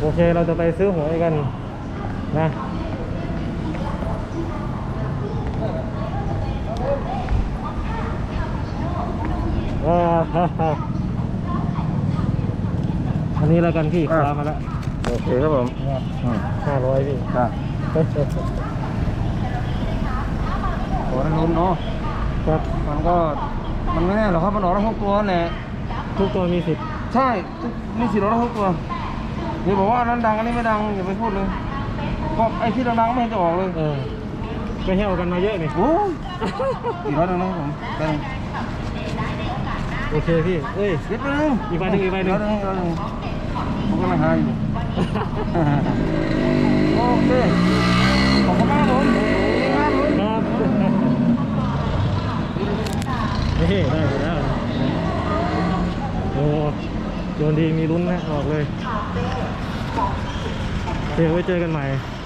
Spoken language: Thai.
เคเราจะไปซื้อหวยกันนะอันนี้แล้วกันพี่คว้ามาแล้วโอเคครับผม 500พี่ครับโอ้ยลุ้นเนาะครับมันไม่แน่หรอกครับมันออกได้ทุกตัวแหละทุกตัวมีสิทธิ์ใช่มีสิทธิ์ออกได้ทุกตัวนี่บอกว่านั้นดังอันนี้ไม่ดังอย่าไปพูดเลยก็ไอ้ที่ดังๆไม่เห็นจะออกเลยไปเที่ยวกันมาเยอะนี่โอ้ย400นะครับผมได้โอเคพี่เอ้ยเดี๋ยวไปหนึ่งอีกใบหนึ่งผมก็ไม่หายอยู่โอเคขอบคุณมากผมครับนี่ได้แล้วโอ้โดนดีมีลุ้นนะออกเลยเดี๋ยวไว้เจอกันใหม่